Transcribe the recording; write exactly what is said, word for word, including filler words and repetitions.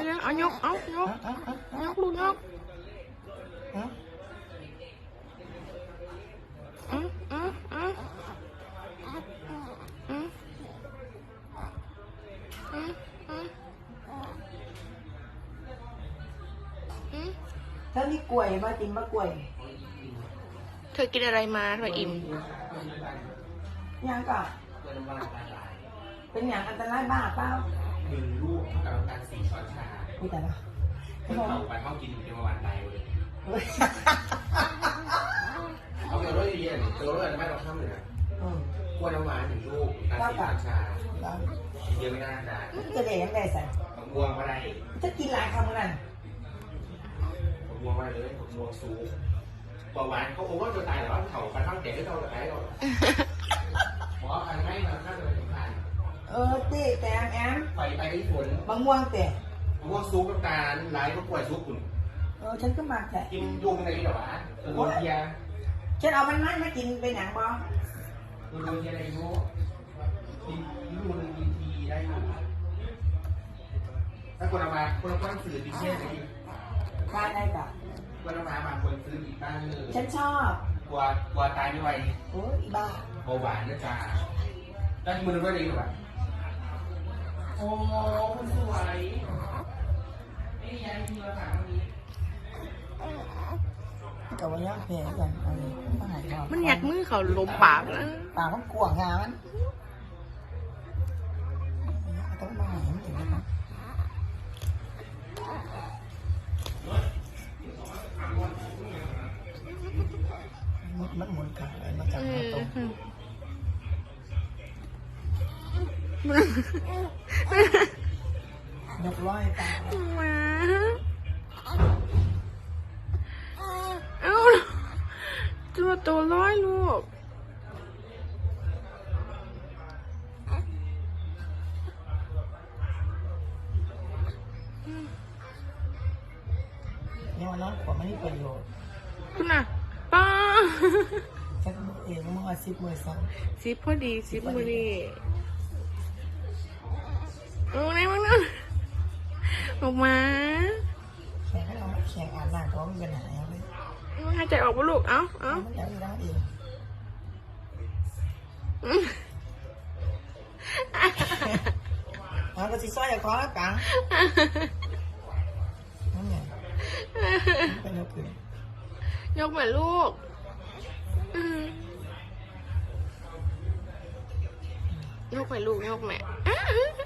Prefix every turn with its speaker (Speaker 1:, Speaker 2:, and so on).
Speaker 1: ยังเอายกเอายกยกลูกยกอืมอืมอืมอืมอืมอืมอืม
Speaker 2: ถ้ามีกล้วยมากินมะกล้วย
Speaker 1: เธอกินอะไรมาเธออิ่ม
Speaker 2: ยังก็เป็นอย่างอันตรายบ้าเปล่า
Speaker 3: หนึ่งลูกกับน้ำตาลสี่ช้อนชา
Speaker 2: มีแต่ละ
Speaker 3: เพิ่งเผาไปเข้ากินอยู่ในประวันใดเลยเอาไปรถเรียนตัวรถอะไรไม่เราข้ามเลยนะกล้วยน้ำหวานหนึ่งลูกน้ำตาลสี่ช้อนชาเยอะไม่น่าได้
Speaker 2: จะเด็กยังไงใส่
Speaker 3: ผมม่วงก็ได้
Speaker 2: จะกินหลายคำนั่น
Speaker 3: ผมม่วงมาเลยผมม่วงสูงเบาหวานเขาโอ้ว่าตัวตายหรอเขาไปข้างเด็กก็เท่ากับไอ้เราหมอพันไม่มาข้างเลยถึงพัน
Speaker 2: เออเต้แต่แอม
Speaker 3: ไปไปที่ฝน
Speaker 2: บางม่วงแต่
Speaker 3: ผมม่วงซุปน้ำตาลไหลก็กล้วยซุปคุณ
Speaker 2: เออฉันก็มาแต่
Speaker 3: กินยุงในหรอวะโดนเทีย
Speaker 2: ฉันเอามันมันมากินไปหนังบอ
Speaker 3: โดนเทียอะไรรู้กินยุงกินทีได้อยู่ถ้าคนเอามาคนเอาต้องสื่อดิเช่นจะกิน
Speaker 2: บ้านได้กับ
Speaker 3: คนเอามาบางคนซื้ออีกบ้านเลย
Speaker 2: ฉันชอบ
Speaker 3: กลัวกลัวตายไม่ไหว
Speaker 2: โอ้ยบ้า
Speaker 3: เบาหวานนะจ๊ะได้มือด้วยดีหรอวะโอ้คุณสวยนี่ยังมีราคาวันนี้
Speaker 2: กับว่าย่างเพลกันอันนี้มาหายความ
Speaker 1: มันอยากมือเขาลมปากนะ
Speaker 2: ปากมันกวางงามันต้องมาหายมันถึงนะครับมันหมุนขาอะไรมาจากตรงยกร้อยตา
Speaker 1: มาเอ้าตัวโตร้อยลูก
Speaker 2: เนี่ยมันน้อยกว่าไม่มีประโยชน์
Speaker 1: คุณน่ะป้า
Speaker 2: ฉันเองมันอาซิบมือสอง
Speaker 1: ซิปพอดีซิปมือดีเอาไหนบ้างนะออกมา
Speaker 2: แข่งให้เราแข่งอ่านหน้าเพราะมันเป็นหายเลย
Speaker 1: หายใจออกปะลูกเอ้าเอ้า
Speaker 2: มันจะไม่ได้เอง
Speaker 1: อืม
Speaker 2: เอาก็สิซ้อยอย่าขอแล้วกังนั่นไงเป็นยกขึ้น
Speaker 1: ยกเหมือนลูกอืมยกไปลูกยกแม่